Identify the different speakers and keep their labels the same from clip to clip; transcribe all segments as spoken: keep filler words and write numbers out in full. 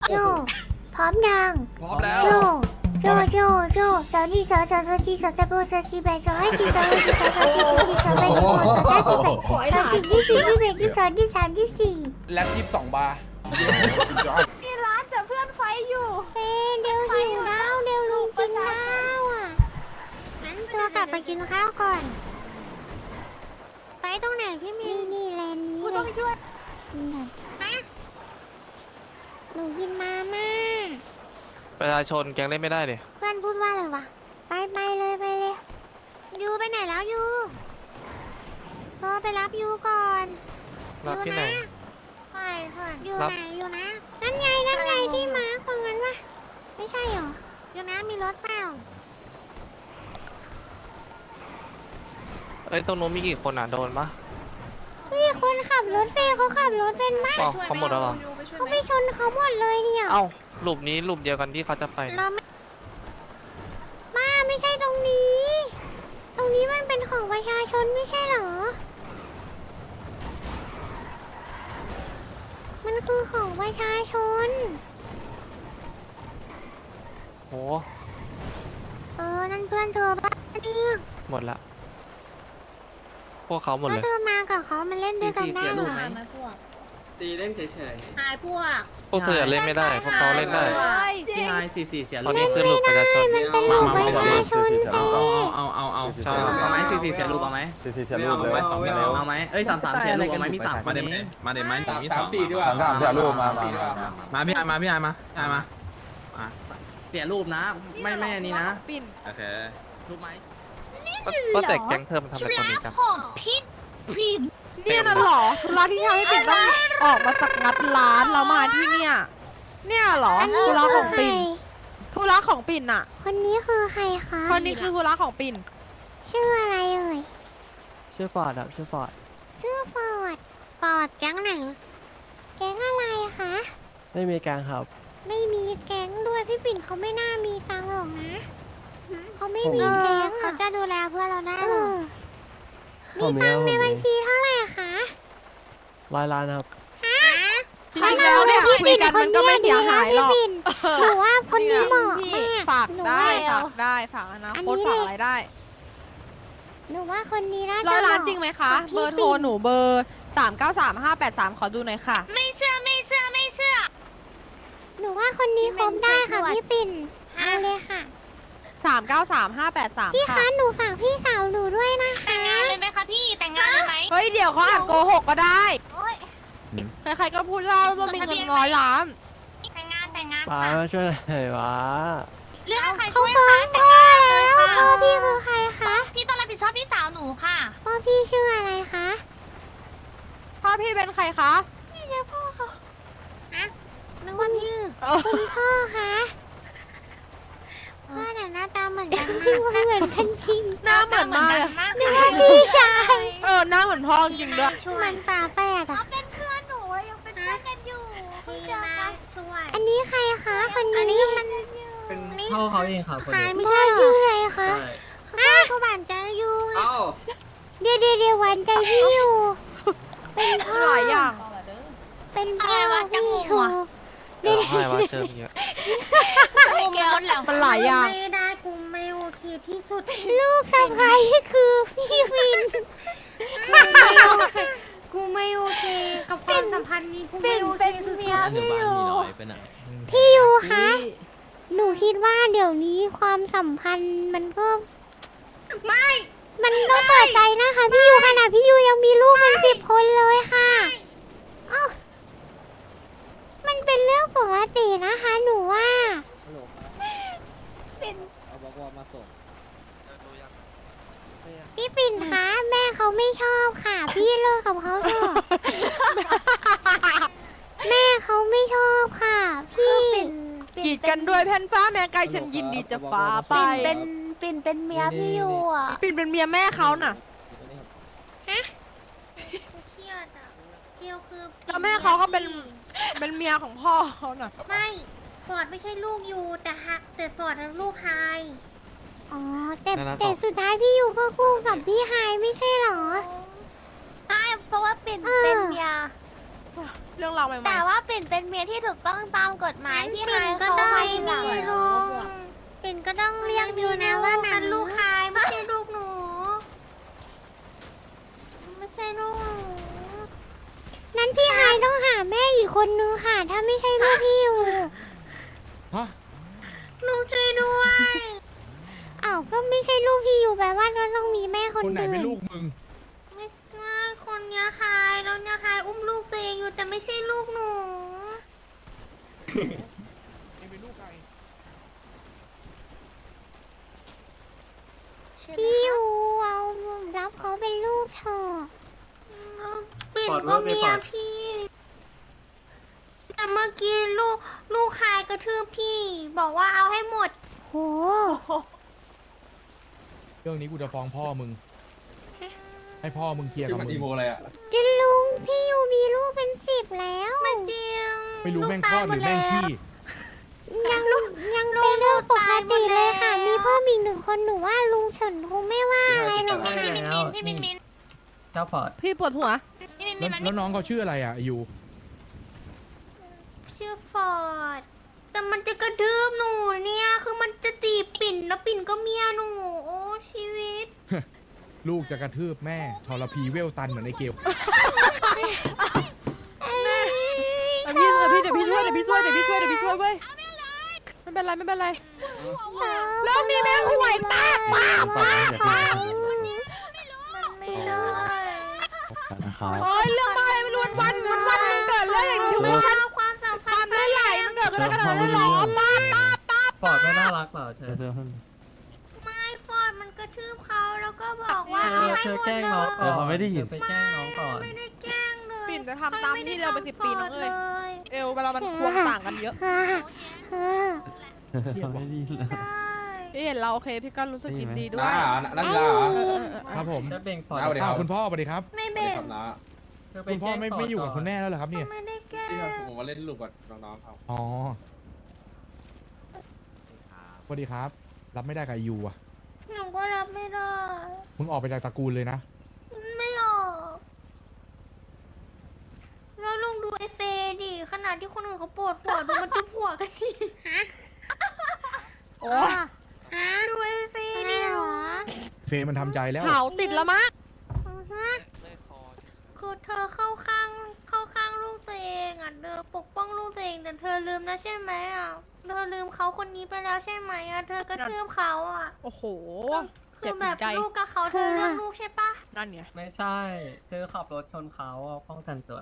Speaker 1: โจพร้อมยัง
Speaker 2: พร้อมแล้ว
Speaker 1: โจโจโจโจสาวนี่สาวสาวสาวจีสาวตะโบสาวจีแบสาวให้จีสาวให้จีสาวสาวจีสาวจีสาวแบสาวสาวจีแบสาวจีที่สี่ที่แบที่สองที่สามที่สี่
Speaker 2: แล็ปยี่สิบสองบาร์
Speaker 3: มีร้านแต่เพื่อนไฟอยู่
Speaker 1: เฮ้เดี๋ยวหิวแล้วเดี๋ยวลุงกินข้าวอ่ะงั้นตัวกลับไปกินข้าวก่อนไปตรงไหนพี่มีนี่แลนนี้
Speaker 3: กู
Speaker 1: เล
Speaker 3: ต้อง
Speaker 1: ย
Speaker 3: ช่วย
Speaker 1: กินก่อนฮะหนูกินมาม่า
Speaker 4: ประชาชนแกงเล่นไม่ได้เลย
Speaker 1: เพื่อนพูดว่าอะไรวะไปไปเลยไปเลยยูไปไหนแล้วยูเออไปรับยูก่อน
Speaker 4: รับที่ไหน
Speaker 1: ไปก่อนยู
Speaker 4: รับ
Speaker 1: ไหนยูนะนั่นไงนั่นไงที่มาร์คตรงนั้นวะไม่ใช่หรอยูนะมีรถเปล่า
Speaker 4: เอ้ยตรงนู้นมีกี่คนอ่ะโดนปะ
Speaker 1: พี่คนขับรถเฟย์เขาขับรถเป็นไหม
Speaker 4: อ๋อเขาหมดแล้วเหรอ
Speaker 1: เขาไปชนเขาหมดเลยเนี่ย
Speaker 4: เอ้าหลุมนี้หลุมเดียวกันที่เขาจะไป
Speaker 1: เราไม่มาไม่ใช่ตรงนี้ ตรงนี้มันเป็นของประชาชนไม่ใช่เหรอ มันคือของประชาชน
Speaker 4: โห
Speaker 1: เออ นั่นเพื่อนเธอบ้าเนี่ย
Speaker 4: หมดละพวกเขาหมด
Speaker 1: ถ้า
Speaker 4: เลย
Speaker 1: เธอมากับเขามันเล่นด้วยกันได้เหรอ
Speaker 5: ตีเล่นเฉย
Speaker 3: หายพวก
Speaker 4: พวกเธอเล่นไม่ได้พวกเขาเล่นได้
Speaker 5: ๆพี่นายสี่สี่เสีย
Speaker 4: ต
Speaker 5: ลู
Speaker 4: อน
Speaker 5: ก
Speaker 4: นี้คือหลุมประชาชน
Speaker 1: มันเป็นของประชาชนเฟ
Speaker 5: เอา
Speaker 1: ย์
Speaker 5: เอาเอาเอาเอา
Speaker 4: ใช่
Speaker 5: เอาไหมสี่สี่เสียลูกเอาไหม
Speaker 6: สี่สี่เสียรูปเลยไว้สองไม่เร็ว
Speaker 5: เอาไหมเอ้ยสามสามเสียลูกเอาไหมมีสาม
Speaker 6: มาเด็
Speaker 5: นี้
Speaker 6: มาเด็มาหนึ่งมีสอง
Speaker 2: สี่ดีกว่า
Speaker 6: สามสามเสียรูปมามามาพี่ไอมาพี่ไอมาพี่ไอมา
Speaker 5: อ่ะเสียรูปนะ ไม่ไม่อันนี้นะ
Speaker 6: โอเค
Speaker 5: รูปไหม
Speaker 4: ก็แต่แก๊งเธอมันทำอะไรตอนนี้กัน
Speaker 3: ของพิษพิษ
Speaker 7: เนี่ยน่ะเหรอธุระที่ทำให้ปิ่นต้องออกมาจากงัดร้านแล้วมาที่เนี่ย เนี่ยเหรอ
Speaker 1: อันนี้
Speaker 7: ธุระ
Speaker 1: คื
Speaker 7: ข
Speaker 1: อ
Speaker 7: อง
Speaker 1: ใคร
Speaker 7: ปิ่นธุระของปิ่นอะ
Speaker 1: คนนี้คือใครคะ
Speaker 7: คนนี้คือธุระของปิ่น
Speaker 1: ชื่ออะไรเอ่ย
Speaker 8: ชื่อฟอร์ดครับชื่อฟอร์ด
Speaker 1: ชื่อฟอร์ดฟอร์ดแก๊งไหน แก๊งอะไรคะ
Speaker 8: ไม่มีการครับ
Speaker 1: ไม่มีแก๊งด้วยพี่ปิ่นเขาไม่น่ามีตังค์หรอกนะเขาไม่มี
Speaker 8: ผม
Speaker 1: แก๊งเขาจะดูแลเพื่อนเราได้หรอ
Speaker 8: ผม
Speaker 1: มี
Speaker 8: มี
Speaker 1: ตังค์ใน
Speaker 8: ผม
Speaker 1: บัญ
Speaker 8: มี
Speaker 1: ชีเท่าไหร่คะ
Speaker 8: ร้อยล้านครับ
Speaker 7: จริงๆแล้วเนี่ยคุยกันมันก็ไม่เสียหายหรอก
Speaker 1: พี่ปิ่นหนูว่าคนนี้เหมาะมาก
Speaker 7: ฝาก
Speaker 1: หนู
Speaker 7: ได้
Speaker 1: ว่า
Speaker 7: ฝากได้ฝากอนะ
Speaker 1: อัน
Speaker 7: โค
Speaker 1: นี้
Speaker 7: ตรฝาก
Speaker 1: เลย
Speaker 7: อะไรได้
Speaker 1: หนูว่าคนนี้น่าจะ
Speaker 7: ร้อยล้าน
Speaker 1: เหมะ
Speaker 7: จริงไหมคะ
Speaker 1: กับ
Speaker 7: เบ
Speaker 1: พี่
Speaker 7: อร์โทร
Speaker 1: ปิ่น
Speaker 7: หนูเบอร์สามเก้าสามห้าแปดสามขอดูหน่อยค่ะ
Speaker 3: ไม่เชื่อไม่เชื่อไม่เชื่อ
Speaker 1: หนูว่าคนนี้คบได้ค่ะพี่ปิ่นเอาเลยค่ะ
Speaker 7: สามเก้าสามห้าแปดสาม
Speaker 1: พี่
Speaker 7: ค่ะ
Speaker 1: คะหนูฝากพี่สาวหนูด้วยนะคะ
Speaker 3: แต่งงานเลยไหมคะพี่แต่งงานเลยไหม
Speaker 7: เฮ้ยเดี๋ยวเขาอาจโกหกก็ได้
Speaker 3: โอ๊ย
Speaker 7: ใครๆก็พูดเล่าว่ามีเงินร้อยล้าน
Speaker 3: แต่งงานแต่งงาน
Speaker 8: ป้า
Speaker 3: ค่ะ
Speaker 8: มาช่วยหน่อยวะ
Speaker 3: เรื่องใคร
Speaker 1: เขา
Speaker 3: ช่วย
Speaker 1: ฟ้อ
Speaker 3: คะ
Speaker 1: ง
Speaker 3: แต่
Speaker 1: พ่
Speaker 3: ง
Speaker 1: อง
Speaker 3: าน
Speaker 1: แล้
Speaker 3: เลยว ค่ะ
Speaker 1: พ่อพี่คือใครคะ
Speaker 3: พี่ต้องรับผิดชอบพี่สาวหนูค่ะ
Speaker 1: พ่อพี่ชื่ออะไรคะ
Speaker 7: พ่อพี่เป็นใครคะ
Speaker 1: นึกว่าพี่
Speaker 7: เออ
Speaker 1: คุณพ่อคะพ่อแต่หน้าตาเหมือนกันมากเหมือนกันจริง
Speaker 7: หน้าเหมือนมากเลย
Speaker 3: มาก
Speaker 1: นึกว่าพี่ชาย
Speaker 7: เออหน้าเหมือนพ่อจริงด้วย
Speaker 1: เหมือนฝาแฝดอะ
Speaker 3: เป็นเพื่อนหนูยังเป็นเพื่อนกันอยู่เพิ่งเจอกันช่วย
Speaker 1: อันนี้ใครคะคนนี้มัน
Speaker 5: เป็นพ่อเขาเองครับคน
Speaker 1: หาย
Speaker 5: นี้
Speaker 1: ไม่ใช่ชื่ออะไรคะ
Speaker 5: ใช่
Speaker 1: พ่อก็หวานใจอยู่
Speaker 5: เอ้า
Speaker 1: เดี๋ยวเดี๋ยวเดี๋ยวหวานใจพี่อยู่ เป็นพ่อ
Speaker 7: หลายอย่าง
Speaker 1: เป็นพ่อ
Speaker 3: อะไรวะจะ
Speaker 1: พี่
Speaker 3: งง
Speaker 1: อยู่
Speaker 3: ว่ะ
Speaker 4: เดี๋ยวให้ว่าเจอเยอะ
Speaker 3: งูมันหมดแล้ว
Speaker 7: มันหลายอย่าง
Speaker 1: ไม่ได้กูไม่โอเคที่สุด ลูกสะใภ้คือพี่วิน
Speaker 9: กูไม่โอเคกับความสัมพันธ์นี้กูไม่โอเคสุด
Speaker 1: เป็นเมีย
Speaker 6: หนูบ้านมีน้อยไปไหน
Speaker 1: พี่ยูคะ หนูคิดว่าเดี๋ยวนี้ความสัมพันธ์มันก็ไม่ มันต้องเปิดใจนะคะพี่ยูขนาดพี่ยูยังมีลูกเป็นสิบคนเลยค่ะอ้าวมันเป็นเรื่องปกตินะคะ หนูว่า
Speaker 6: เอาบอกว่ามาส่ง
Speaker 1: พี่ปิ่นคะแม่เขาไม่ชอบค่ะ พี่เลิกกับเขาเถอะ แม่เขาไม่ชอบค่ะ พี่
Speaker 7: กีดกันด้วยแผ่นฟ้าแม่ไกลฉันยินดีจะฟ้าไป
Speaker 3: เป็นปิ่นเป็นเมียพี่อยู่อ่ะ
Speaker 7: ปิ่นเป็นเมียแม่เขาน่ะ
Speaker 9: เครียดอ่ะเกียวคือ
Speaker 7: แล้วแม่เขาก็เป็นเป็นเมียของพ่อเขาน่ะ
Speaker 9: ไม่ฟอร์ดไม่ใช่ลูกยูแต่ฮักแต่ฟอร์ดลูกไฮ
Speaker 1: อ๋อแต่แต่สุดท้ายพี่ยูก็คู่กับพี่ไฮไม่ใช่เหรอ
Speaker 3: ใช่เพราะว่าปิ่น
Speaker 1: เออ
Speaker 3: เป็นเมีย
Speaker 7: เรื่องราวใหม่ๆ
Speaker 3: แต่ว่าปิ่นเป็นเมียที่ถูกต้องตามกฎหมายที่
Speaker 9: ปิ่
Speaker 3: ไฮ
Speaker 9: นก็
Speaker 3: เขา
Speaker 9: ได้
Speaker 3: ให้หลั
Speaker 9: นี่
Speaker 3: ง
Speaker 9: ลุงปิ่นก็ต้องเรียกดีนะว่านั้นลูกชายไม่ใช่ลูกหนู ไม่ใช่ลูกหนู
Speaker 1: นั้นพี่ไฮายต้องหาแม่อีกคนนึงค่ะ ถ้าไม่ใช่ลูกพี่อยู่
Speaker 6: ฮะ
Speaker 9: ลูกช่วยด้วย
Speaker 1: อ้าวก็ไม่ใช่ลูกพี่อยู่แปลว่าก็ต้องมีแม่คน
Speaker 6: คนไหน
Speaker 1: อื่
Speaker 6: เป็น
Speaker 1: น
Speaker 6: ลูกมึง
Speaker 9: ไม่ไม่คนเนี้ยคายแล้วเนี่ยคายอุ้มลูกตัวเองอยู่แต่ไม่ใช่ลูกหนู
Speaker 1: พี่อยู่เอารับเขาเป็นลูกเธอะ
Speaker 9: ปิ่นก็เมียพี่ แต่เมื่อกี้ลูกลูกคายกระทืบพี่ บอกว่าเอาให้หมด
Speaker 1: โห
Speaker 2: เรื่องนี้กูจะฟ้องพ่อมึง ให้พ่อมึงเคลียร์กับมึง
Speaker 1: จิลุงพี่อยู่มีลูกเป็นสิบแล้ว
Speaker 9: มาจริง
Speaker 2: ไม่รู้แม่งคลอดหรือแม่งขี้
Speaker 1: ยังยังเป็นเรื่องปกติเลยค่ะ มีเพิ่มอีกหนึ่งคนหนูว่าลุงเฉินคงไม่ว่าอะไรหรอก
Speaker 9: พี่มินมินพี่มินมิน
Speaker 5: เจ้าพอด
Speaker 7: พี่ปวดหัว
Speaker 9: พี่มินมิ
Speaker 2: แล้ว
Speaker 9: นมัน
Speaker 2: แล้วน้องเขาชื่ออะไรอ่ะอายู
Speaker 9: ชื่อฟอร์ด แต่มันจะกระทืบหนูเนี่ย คือมันจะจีบปิ่นแล้วปิ่นก็เมียหนู โอ้ชีวิต
Speaker 2: ลูกจะกระทืบแม่ทรพีเวลตันเหมือนไอ้เกล
Speaker 7: เดี๋ยวพี่เดี๋ยวพี่เดี๋ยวพี่ช่วยเดี๋ยวพี่ช่วยเดี๋ยวพี่ช่วยเดี๋ยวพี่ช่วยเว้ยไม่เป็นไรไม่เป็นไรรอบนี้แม่งห่วยมากมากมากมาก
Speaker 9: มันไม่ได้
Speaker 7: โอ้ยเรื่องบ้าอะไรไม่รู้วันวันวันวันมันเกิดเรื่องอย่างนี้
Speaker 9: ไม่
Speaker 7: ทุก
Speaker 9: ได้
Speaker 7: วัน
Speaker 9: ความสัมพั
Speaker 7: ปาน
Speaker 9: ธ์
Speaker 7: ไม่ไหลมันเกิดกันขนาดนั้นหรอป้าป้าป้า
Speaker 5: ฟอร์ดไม่น่ารักเหรอเธอ
Speaker 9: ไม่ฟอร์ดมันกระทืบเขาแล้วก็บอกว่า
Speaker 5: เธ
Speaker 9: เอา
Speaker 5: อ
Speaker 9: ให้
Speaker 5: เธอ
Speaker 9: หมด
Speaker 5: แกล้ง
Speaker 9: เล
Speaker 5: น้อง
Speaker 9: ย
Speaker 5: ก่อนเขาไม่ได้ยินไปแกล้งน้องก่อน
Speaker 9: ไม่ได้แกล้งเลย
Speaker 7: ปิ่นจะทำตามที่เราไปสิบปีน้องเอ้ย
Speaker 9: เลย
Speaker 7: เอวเวลามันควงต่างกันเยอะ
Speaker 1: ค่ะค่ะ
Speaker 5: ไม่ดีเลย
Speaker 9: ใช่
Speaker 7: พี่เห็นเราโอเคพี่ก็รู้สึกยินดีด้วย
Speaker 6: นั่นเหรอ
Speaker 7: เออเออเออ
Speaker 2: ครับผม
Speaker 5: จะเบ่งฟอร์ด
Speaker 6: เอาเดี๋ยว
Speaker 2: อ้าวคุณพ่อสวัสดีครับ
Speaker 9: ไม่เบ่ง
Speaker 5: เธอป
Speaker 2: คุณพ่อ
Speaker 5: แกล้ง
Speaker 2: ไม่
Speaker 5: ฟร์ด
Speaker 2: ไม่อยู่กับ
Speaker 5: ก่น
Speaker 2: คุณแม่แล้วเหรอครับเนี่ย
Speaker 9: ไม่ได้แกล้ง
Speaker 6: ผมมาเล่นลูกกับน้องๆเขา
Speaker 2: อ๋อสวัสดีครับ รับไม่ได้กับอายูอ่ะ
Speaker 9: หนูก็รับไม่ได้
Speaker 2: มึงออกไปจากตระกูลเลยนะ
Speaker 9: ไม่ออกแล้วลองดูไอเฟย์ดิขนาดที่คนอื่นเขาปวดหัวดูมันจุบหัวกันดิ
Speaker 7: โอ้
Speaker 9: ดูไอเฟย์ดิ
Speaker 1: เหรอ
Speaker 2: เฟย์มันทำใจแล้ว
Speaker 7: เผาติดแล้วมั้ง
Speaker 9: คือเธอเข้าข้างเข้าข้างลูกตัวเองอ่ะเธอปกป้องลูกตัวเองแต่เธอลืมนะใช่ไหมอ่ะเธอลืมเขาคนนี้ไปแล้วใช่ไหมอ่ะเธอกระทืบเขาอ่ะ
Speaker 7: โอ้โห
Speaker 9: คื
Speaker 7: เจ็บ
Speaker 9: อแบ
Speaker 7: หัว
Speaker 9: บ
Speaker 7: ใจ
Speaker 9: ลูกกับเขาเธอเลือกลูกใช่ปะ
Speaker 7: นั่นไง
Speaker 5: ไม่ใช่ เธอขับรถชนเขาอะป้องกันตัว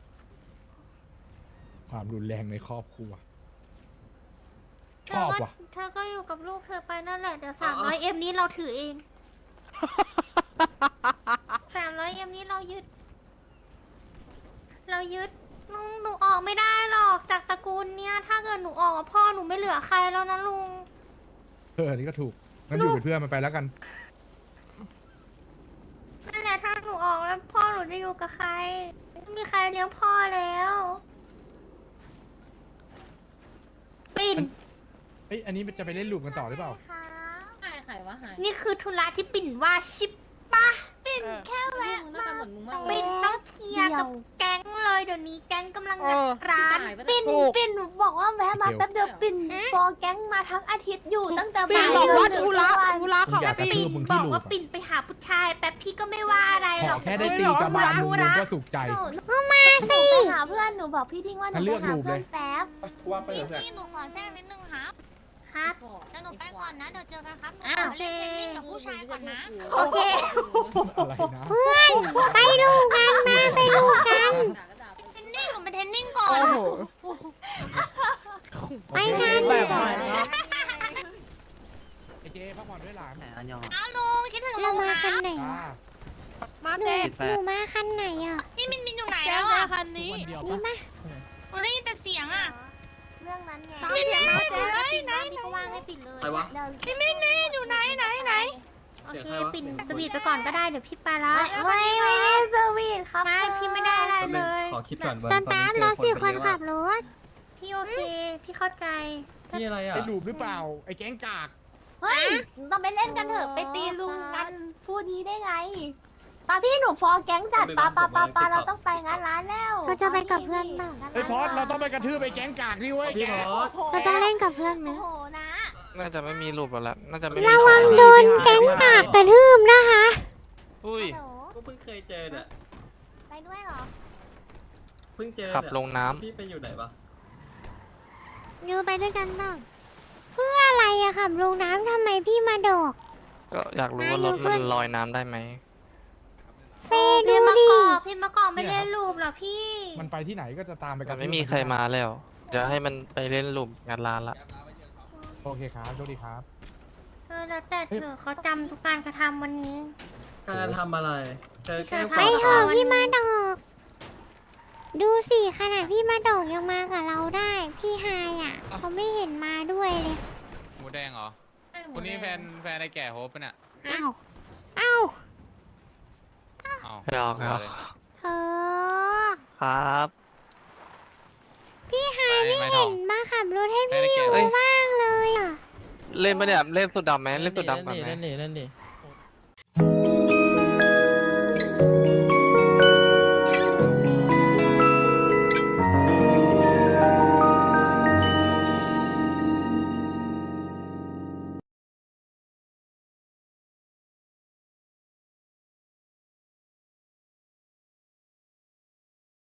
Speaker 2: ความรุนแรงในครอบครัว
Speaker 9: เธ
Speaker 2: ชอบ
Speaker 9: ก็
Speaker 2: ว่ะ
Speaker 9: เธอก็อยู่กับลูกเธอไปนั่นแหละเดี๋ยวสามร้อยเอ็มนี้เราถือเองสามร้อยเอ็มนี้เรายึด เรายึดลุงหนูออกไม่ได้หรอกจากตระกูลเนี้ยถ้าเกิดหนูออกกับพ่อหนูไม่เหลือใครแล้วนะลุง
Speaker 2: เอออันนี้ก็ถูกงั้นอยู่เป็นเพื่อนมันไปแล้วกัน
Speaker 9: นั่นแหละถ้าหนูออกแล้วพ่อหนูจะอยู่กับใครไม่มีใครเลี้ยงพ่อแล้วปิ่น
Speaker 2: เอ้ยอันนี้จะไปเล่นลูกกันต่อหรือเปล่า
Speaker 3: หายใครวะหาย
Speaker 9: นี่คือธุระที่ปิ่นว่าชิปปะ
Speaker 3: ปิ่นแค่แวะมาเหมือนมึงมาก
Speaker 9: ปิ่นต้องเคลียร์กับแก๊งเลยเดี๋ยวนี้แก๊งกำลัง
Speaker 7: เออ
Speaker 9: ร้าน
Speaker 3: ปิ่น
Speaker 7: ถูก
Speaker 3: ปิ่นบอกว่าแวะมาแป๊บเดียวปิ่นฟอร์แก๊งมาทั้งอาทิตย์อยู่ตั้งแต่
Speaker 7: ปิ่น
Speaker 3: บ่าย
Speaker 7: บอกว่า
Speaker 3: จน
Speaker 7: ธุ
Speaker 3: ถึง
Speaker 7: ระ
Speaker 3: วัน
Speaker 7: ธุระเขา
Speaker 2: อยากกระทื
Speaker 7: ปิ่
Speaker 2: บ
Speaker 7: น
Speaker 2: มึง
Speaker 9: บ
Speaker 2: ที่
Speaker 9: อก
Speaker 2: ลูก
Speaker 9: ว่า
Speaker 2: อะ
Speaker 9: ปิ่นไปหาผู้ชายแป๊บพี่ก็ไม่ว่าอะไร
Speaker 2: ข
Speaker 9: หร
Speaker 2: อ
Speaker 9: อก
Speaker 2: แค่ได้ตีกระบาลมึงมึงก็สุขใจ
Speaker 3: หนู
Speaker 1: ก็มาสิ
Speaker 3: ไปหาเพื่อนหนูบอกพี่ทิ้งว่าหนู
Speaker 2: งั้นเลื
Speaker 3: ไป
Speaker 2: อก
Speaker 3: หา
Speaker 2: รูป
Speaker 3: เพื่อน
Speaker 2: เลย
Speaker 3: แป๊บ
Speaker 6: ว่าไปกับเพื่อน
Speaker 3: พี่หนูขอแทรกนิดนึงครับ
Speaker 9: ครับ
Speaker 3: แล้วหนูไปก่อนนะเดี๋ยวเจอกันครับหนู
Speaker 9: อ้า
Speaker 3: ข
Speaker 9: ว
Speaker 3: อเล่นเทนนิสกับผู้ชายก่อนนะ
Speaker 9: โอเค
Speaker 2: อะไรนะ
Speaker 1: เพื่อนไปดูกันมาไปดูกัน
Speaker 3: เทนนิสหนูไปเทนนิสก่อน
Speaker 7: โอ้โห
Speaker 1: ไปงาน
Speaker 7: แบบ
Speaker 1: ก่อ
Speaker 7: ไหน
Speaker 1: น
Speaker 7: นะ
Speaker 2: ไอเจพักผ่อนด้วยหลาน
Speaker 5: แหมอันยอง
Speaker 3: เอาลุงคิดถึง
Speaker 1: เรา
Speaker 3: ลุง
Speaker 1: มา
Speaker 3: ค
Speaker 1: คั
Speaker 3: รั
Speaker 1: น
Speaker 3: บ
Speaker 1: ไหน
Speaker 2: จ้า
Speaker 1: อ่ะ
Speaker 7: มา
Speaker 1: หนู
Speaker 7: เด็ก
Speaker 1: หนูมาคันไหนอ่ะ
Speaker 3: พี่มินมินอยู่ไหน
Speaker 7: แก
Speaker 3: แล้ว
Speaker 7: แก
Speaker 3: อ่ะ
Speaker 7: คันนี้
Speaker 1: นี่มา
Speaker 3: หนูได้ยินแต่เสียงอ่ะ
Speaker 9: เรื่องนั้นไง
Speaker 7: ตามเสียงมาแก
Speaker 9: ปิ่นว่างพี่ก็ว่างให้ปิ่นเลย
Speaker 5: ใครวะ
Speaker 9: เดี๋ยว
Speaker 3: พี่มินนี่อยู่ไหนไหนไหน
Speaker 9: โอ
Speaker 5: เสียง
Speaker 9: เค
Speaker 5: ใครวะ
Speaker 9: ปิ่นสวีทไปก่อนก็ได้เดี๋ยวพี่ไปละ
Speaker 3: ไม่ไม่ได้สวีทครับ
Speaker 9: ไม่พี่ไม่ได้อะไรเลย
Speaker 5: ขอคิดก่อนวัน
Speaker 1: ส
Speaker 5: ตอน
Speaker 1: ตา
Speaker 5: นี้
Speaker 1: ร์ท
Speaker 5: เจ
Speaker 1: ร
Speaker 5: อ
Speaker 1: ถ
Speaker 5: คน
Speaker 1: สี่
Speaker 5: ไป
Speaker 1: คน
Speaker 5: เยอะ
Speaker 1: ขั
Speaker 5: อะ
Speaker 1: บรถ
Speaker 9: พี่โอเค พี่เข้าใจ
Speaker 5: พี่อะไรอ่ะ
Speaker 2: ไอ้ลูกหรือเปล่า ไอ้แก๊งกาก
Speaker 3: เฮ้ยต้องไปเล่นกันเถอะไปตีลุงกันพูดนี้ได้ไงปาพี่หนูฟอร์แก๊งจัดปาปาปาปาเราต้องไปงานร้านแล้ว
Speaker 1: เราจะไปกับเพื่อนบ้าง
Speaker 2: ไอ้ยพอดเราต้องไปกระทืบไปแก๊งกากนี่เว้ย
Speaker 5: พี่
Speaker 2: แก
Speaker 5: พอส
Speaker 1: เราต้องเล่นกับเพื่อน
Speaker 3: โอ้
Speaker 1: นะ
Speaker 3: โหนะ
Speaker 4: น่าจะไม่มีรูปแล้วแหละน่าจะไม่มี
Speaker 1: ระวังโดนแก๊งกากกระทืบนะคะ
Speaker 4: อุ้ย
Speaker 3: ฮัลโหล
Speaker 5: ก็เพิ่งเคยเจอเนี่ย
Speaker 3: ไปด้วยเหรอ
Speaker 5: เพิ่งเจอ
Speaker 4: ขับ
Speaker 5: เนี่ย
Speaker 4: ลงน้ำ
Speaker 5: พี่ไปอยู่ไหนปะ
Speaker 1: ยูไปด้วยกันบ้างเพื่ออะไรอะขับลงน้ำทำไมพี่มาโดก
Speaker 4: ก็อยากรู้ว่ารถมันลอยน้ำได้ไหม
Speaker 1: เฟย์ดู
Speaker 9: พี่มะ
Speaker 1: ดิ
Speaker 9: กอกพี่มะกอกไม่เล่นรูปเหรอพี่
Speaker 2: มันไปที่ไหนก็จะตามไปกั
Speaker 4: มัน นไม่มีใครมาแล้วจะให้มันไปเล่นรูปงานร้านละ
Speaker 2: โอเคครับโชคดีครับ
Speaker 9: เออแล้วแต่เธอะเขาจำทุกการกระทำวันนี้
Speaker 5: การทำอะไรเจอแกล้ง
Speaker 1: ไปเถอะพี่มาดอกดูสิขนาดพี่มาดอกยังมากับเราได้ พี่ไฮอ่ะเขาไม่เห็นมาด้วยเลย
Speaker 10: หมูแดงเหรอคนนี้แฟนแฟนไอ้แก่โฮปปะเนี่ย
Speaker 1: อ้าวอ้าว
Speaker 10: อ้าว
Speaker 4: ไม่ออกครับ
Speaker 1: เธอ
Speaker 4: ครับ
Speaker 1: พี่ไฮ
Speaker 10: ไม่
Speaker 1: ไม่
Speaker 10: ไม่ท
Speaker 1: เห็
Speaker 10: อง
Speaker 1: นมาขับรถให้
Speaker 10: ไม่
Speaker 1: พี่
Speaker 10: ได้เกี่
Speaker 1: อ
Speaker 10: ยว
Speaker 1: ยู่บ้างเลยอ่ะ
Speaker 4: เล่นปะเนี่ยเล่นสุดดำไหมเล่นสุดดำก่อนไหม
Speaker 8: นั่นนี่นั่นนี่